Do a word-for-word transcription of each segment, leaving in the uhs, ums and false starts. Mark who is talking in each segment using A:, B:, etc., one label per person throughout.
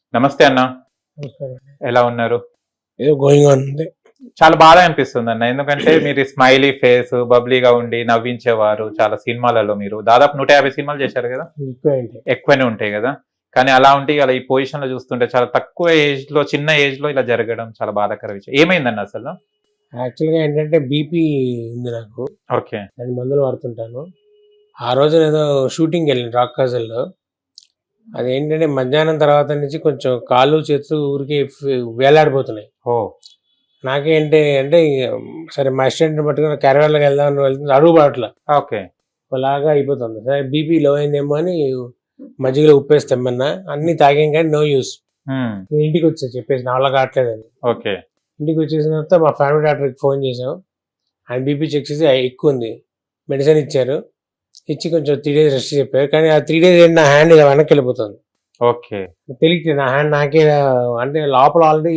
A: నమస్తే అన్న, ఎలా ఉన్నారు?
B: ఏదో గోయింగ్ ఆన్ ఉంది.
A: చాలా బాధ అనిపిస్తుంది అన్న, ఎందుకంటే మీరు స్మైలీ ఫేస్, బబ్లీగా ఉండి నవ్వించేవారు చాలా సినిమాలలో. మీరు దాదాపు నూట యాభై సినిమాలు చేశారు కదా, ఎక్కువనే ఉంటాయి కదా. కానీ అలా ఉంటే అలా ఈ పొజిషన్ లో చూస్తుంటే చాలా తక్కువ ఏజ్ లో, చిన్న ఏజ్ లో ఇలా జరగడం చాలా బాధాకర విషయం. ఏమైందన్న అసలు?
B: యాక్చువల్గా ఏంటంటే బీపీ ఉంది నాకు.
A: ఓకే.
B: నేను మందులు వాడుతుంటాను. ఆ రోజు ఏదో షూటింగ్ వెళ్ళాను రాక్ కాజల్లో. అదేంటంటే మధ్యాహ్నం తర్వాత నుంచి కొంచెం కాళ్ళు చేతులు ఊరికి వేలాడిపోతున్నాయి.
A: ఓ,
B: నాకేంటి అంటే సరే మా అసిస్టెంట్ పట్టుకుని క్యారవాన్లోకి వెళ్దామని వెళ్తుంది, అడుగు పడట్లా.
A: ఓకే.
B: అలాగా అయిపోతుంది. సరే బీపీ లో అయిందేమో అని మజ్జిగలో ఉప్పేసి తెమ్మన్నా, అన్ని తాగాం కానీ నో యూస్. ఇంటికి వచ్చా చెప్పేసి నా వల్ల కావట్లేదని.
A: ఓకే.
B: ఇంటికి వచ్చేసిన తర్వాత మా ఫ్యామిలీ డాక్టర్కి ఫోన్ చేసాం. ఆయన బీపీ చెక్ చేసి ఎక్కువ ఉంది, మెడిసిన్ ఇచ్చారు. ఇచ్చి కొంచెం త్రీ డేస్ రెస్ట్ చెప్పారు. కానీ ఆ త్రీ డేస్ నా హ్యాండ్ ఇలా వెనక్కి వెళ్ళిపోతుంది.
A: ఓకే.
B: తెలియట్లేదు, నా హ్యాండ్ నాకే అంటే లోపల ఆల్రెడీ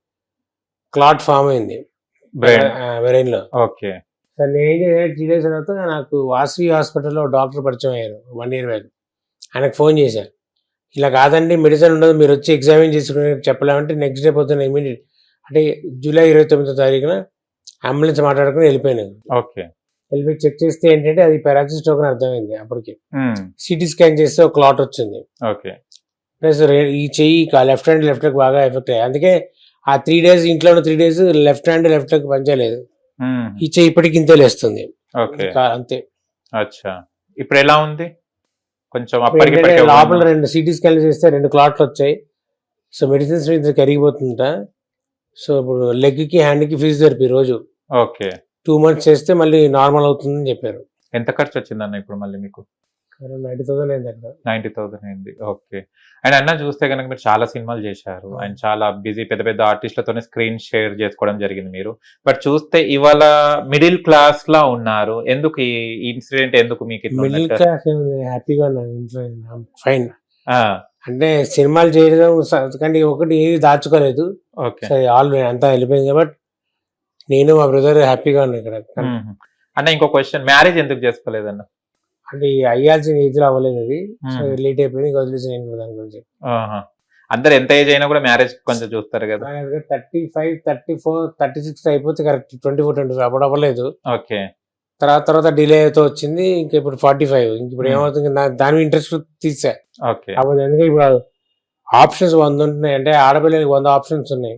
B: క్లాట్ ఫామ్ అయింది బ్రెయిన్ లో.
A: ఓకే.
B: సార్ నేను ఏం చేయాలి, త్రీ డేస్ తర్వాత నాకు వాసవి హాస్పిటల్లో డాక్టర్ పరిచయం అయ్యారు, వన్ ఇయర్ బ్యాక్. ఆయనకు ఫోన్ చేశాను, ఇలా కాదండి మెడిసిన్ ఉండదు, మీరు వచ్చి ఎగ్జామిన్ చేసుకుని చెప్పలేమంటే నెక్స్ట్ డే పొద్దున్న ఇమీడియట్ అంటే జూలై ఇరవై తొమ్మిదో తారీఖున అంబులెన్స్ మాట్లాడుకుని వెళ్ళిపోయాను.
A: ఓకే.
B: వెళ్ళిపోయి చెక్ చేస్తే ఏంటంటే అది పారాలసిస్ స్ట్రోక్ అని అర్థమైంది. అప్పటికి సిటీ స్కాన్ చేస్తే ఒక క్లాట్ వచ్చింది.
A: ఓకే.
B: ప్లస్ ఈ చెయ్యి లెఫ్ట్ హ్యాండ్ లెఫ్ట్ లెగ్ బాగా ఎఫెక్ట్ అయ్యాయి. అందుకే ఆ త్రీ డేస్ ఇంట్లో three days left hand left leg పనిచేయలేదు. ఈ చెయ్యి ఇప్పటికి ఇంతే లేస్తుంది. అంతే.
A: అచ్చా, ఇప్పుడు ఎలా ఉంది? కొంచెం
B: లోపల రెండు సిటీ స్కాన్ చేస్తే రెండు క్లాట్లు వచ్చాయి. సో మెడిసిన్స్ మీద కరిగిపోతుంట. సో ఇప్పుడు లెగ్ కి హ్యాండ్ కి ఫిజియోథెరపీ రోజు.
A: ఓకే.
B: టూ మంత్స్ చేస్తే మళ్ళీ నార్మల్ అవుతుందని చెప్పారు.
A: ఎంత ఖర్చు వచ్చిందన్న ఇప్పుడు మళ్ళీ మీకు?
B: నైన్టీ థౌసండ్ అయింది అక్కడ.
A: నైన్టీ థౌసండ్ అయింది. ఓకే. అండ్ అన్న చూస్తే కనుక మీరు చాలా సినిమాలు చేశారు అండ్ చాలా బిజీ, పెద్ద పెద్ద ఆర్టిస్టులతోనే స్క్రీన్ షేర్ చేసుకోవడం జరిగింది మీరు. బట్ చూస్తే ఇవాళ మిడిల్ క్లాస్ లా ఉన్నారు. ఎందుకు ఈ ఇన్సిడెంట్? ఎందుకు మీకు
B: మిడిల్ క్లాస్? హ్యాపీగా ఉన్నాను, ఫైన్. అంటే సినిమాలు చేయడం కానీ ఒకటి ఏది దాచుకోలేదు. సరే ఆల్ అంతా వెళ్ళిపోయింది కాబట్టి నేను మా బ్రదర్ హ్యాపీగా ఉన్నాను ఇక్కడ.
A: అన్న ఇంకో క్వశ్చన్, మ్యారేజ్ ఎందుకు చేసుకోలేదన్న?
B: అంటే అయ్యాల్సిన ఏజ్ లో అవ్వలేదు, అది లేట్ అయిపోయింది. వదిలేసి దాని గురించి
A: అందరు ఎంత ఏజ్ అయినా కూడా మ్యారేజ్ కొంచెం చూస్తారు కదా.
B: Thirty five thirty four thirty six అయిపోతే correct. Twenty four twenty five అప్పుడు అవ్వలేదు.
A: ఓకే.
B: తర్వాత తర్వాత డిలే అవుతూ వచ్చింది. ఇంకా ఇప్పుడు ఫార్టీ ఫైవ్ ఇంక ఇప్పుడు ఏమవుతుంది, దాని ఇంట్రెస్ట్ తీసా.
A: ఓకే.
B: అప్పుడు ఎందుకంటే ఇప్పుడు ఆప్షన్స్ వంద ఉంటున్నాయి, అంటే ఆడపిల్లలకి వంద ఆప్షన్స్ ఉన్నాయి,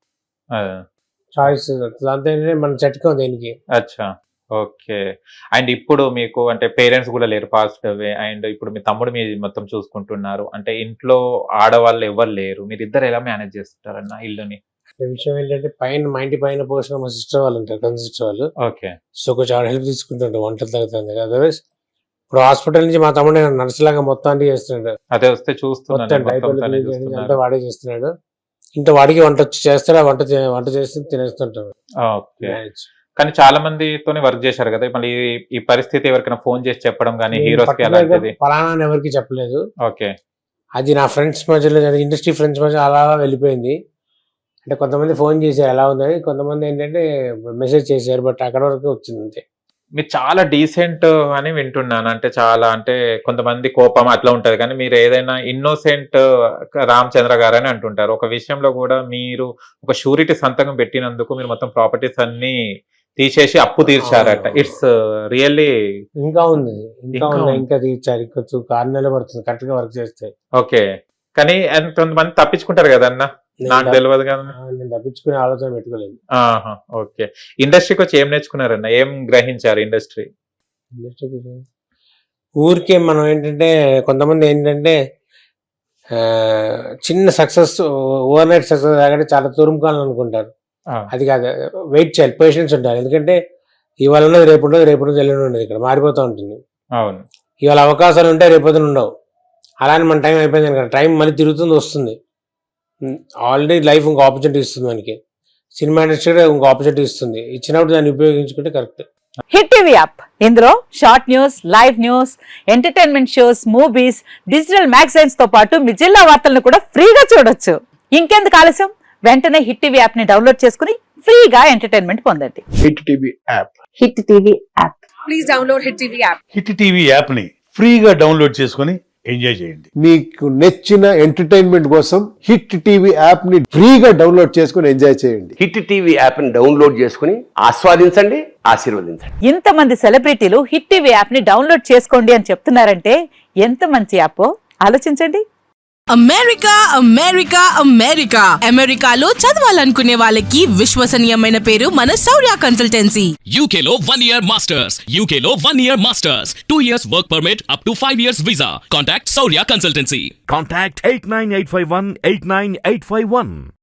B: చాయిస్. దాంతో మన చట్కా దేనికి.
A: అచ్చా. ఓకే. అండ్ ఇప్పుడు మీకు అంటే పేరెంట్స్ కూడా లేరు, పాస్ట్ అవే. అండ్ ఇప్పుడు మీ తమ్ముడు మీ మొత్తం చూసుకుంటున్నారు, అంటే ఇంట్లో ఆడవాళ్ళు ఎవరు లేరు, మీరు ఇద్దరు ఎలా మేనేజ్ చేస్తుంటారన్న ఇల్లుని?
B: విషయం ఏంటంటే పైన మా ఇంటి పైన పోసిన మా సిస్టర్ వాళ్ళు ఉంటారు, కన్ సిస్టర్ వాళ్ళు.
A: ఓకే.
B: సో కొంచెం ఆడ హెల్ప్ తీసుకుంటుంటారు, వంటలు తగ్గుతుంది. అదర్వైజ్ ఇప్పుడు హాస్పిటల్ నుంచి మా తమ్ముడు నర్స్ లాగా మొత్తం అన్ని చేస్తున్నాడు.
A: అదే వస్తే చూస్తున్నాను,
B: అంతా వాడే చేస్తున్నాడు. ఇంత వాడికి వంట వచ్చి చేస్తాడు, వంట వంట చేస్తే తినేస్తుంటాడు.
A: ఓకే. కానీ చాలా మందితోనే వర్క్ చేశారు కదా, మళ్ళీ ఈ పరిస్థితి ఎవరికైనా ఫోన్ చేసి చెప్పడం కానీ హీరోస్ కి అలాంటిది?
B: ఫలానా ఎవరికి చెప్పలేదు.
A: ఓకే.
B: అది నా ఫ్రెండ్స్ మధ్యలో, ఇండస్ట్రీ ఫ్రెండ్స్ మధ్య అలా వెళ్ళిపోయింది. అంటే కొంతమంది ఫోన్ చేశారు ఎలా ఉందని, కొంతమంది ఏంటంటే మెసేజ్ చేశారు, బట్ అక్కడ వరకు వచ్చింది అంతే.
A: మీరు చాలా డీసెంట్ అని వింటున్నాను, అంటే చాలా అంటే కొంతమంది కోపం అట్లా ఉంటది, కానీ మీరు ఏదైనా ఇన్నోసెంట్ రామచంద్ర గారు అని అంటుంటారు. ఒక విషయంలో కూడా మీరు ఒక షూరిటీ సంతకం పెట్టినందుకు మీరు మొత్తం ప్రాపర్టీస్ అన్ని తీసేసి అప్పు తీర్చారట. It's really.
B: ఇంకా ఉంది, ఇంకా ఉంది, ఇంకా తీర్చారు. ఇంకొంచెం ఆరు నెలలు పడుతుంది కరెక్ట్ గా వర్క్ చేస్తే.
A: ఓకే. కానీ కొంతమంది తప్పించుకుంటారు కదా అన్న, నాకు తెలియదు కదా.
B: నేను తప్పించుకునే ఆలోచన పెట్టుకోలేదు.
A: ఓకే. ఇండస్ట్రీకి వచ్చి ఏం నేర్చుకున్నారన్న, ఏం గ్రహించారు ఇండస్ట్రీ?
B: ఇండస్ట్రీకి ఊరికే మనం ఏంటంటే కొంతమంది ఏంటంటే చిన్న సక్సెస్, ఓవర్ నైట్ సక్సెస్ కాకంటే చాలా తురుముకోవాలనుకుంటారు. అది కాదు, వెయిట్ చేయాలి, పేషెన్స్ ఉండాలి. ఎందుకంటే ఇవాళ ఉన్నది రేపు ఉండదు, రేపు ఉన్నది ఎల్లుండి ఉండదు, ఇక్కడ మారిపోతూ ఉంటుంది.
A: అవును.
B: ఇవాళ అవకాశాలు ఉంటాయి, రేపొద్దున ఉండవు. అలానే మన టైం అయిపోయింది కదా, టైం మళ్ళీ తిరుగుతుంది, వస్తుంది. ఆల్రెడీ లైఫ్ ఇంకో ఆపర్చునిటీ ఇస్తుంది మనకి. సినిమా ఇండస్ట్రీ కూడా ఇంకో ఆపర్చునిటీ ఇస్తుంది, ఇచ్చినప్పుడు దాన్ని ఉపయోగించుకుంటే కరెక్ట్.
C: హిట్ టీవీ యాప్, ఇందులో short news, live news, entertainment shows, movies, digital magazines తో పాటు మీ జిల్లా వార్తలను కూడా ఫ్రీగా చూడొచ్చు. ఇంకెందుకు ఆలస్యం, వెంటనే హిట్ టీవీ యాప్ ని డౌన్లోడ్ చేసుకుని ఫ్రీగా ఎంటర్టైన్మెంట్ పొందండి.
D: Hit TV app.
C: Hit TV app.
E: Please download hit TV app.
D: Hit TV app ని ఫ్రీగా డౌన్లోడ్ చేసుకుని ఎంజాయ్ చేయండి.
E: మీకు నచ్చిన ఎంటర్టైన్మెంట్ కోసం హిట్ టీవీ యాప్ ని ఫ్రీగా డౌన్లోడ్ చేసుకుని ఎంజాయ్ చేయండి.
F: హిట్ టీవీ యాప్ ని డౌన్లోడ్ చేసుకుని ఆస్వాదించండి, ఆశీర్వదించండి.
C: ఇంతమంది సెలబ్రిటీలు హిట్ టీవీ యాప్ ని డౌన్లోడ్ చేసుకోండి అని చెప్తున్నారంటే ఎంత మంచి యాప్ ఆలోచించండి.
G: అమెరికా అమెరికా అమెరికా అమెరికాలో చదవాలనుకునే వాళ్ళకి విశ్వసనీయమైన పేరు మన శౌర్య కన్సల్టెన్సీ.
H: U K లో one year masters, U K లో one year masters, two years work permit up to five years visa. Contact Saurya Consultancy.
D: Contact eight nine eight five one eight nine eight five one.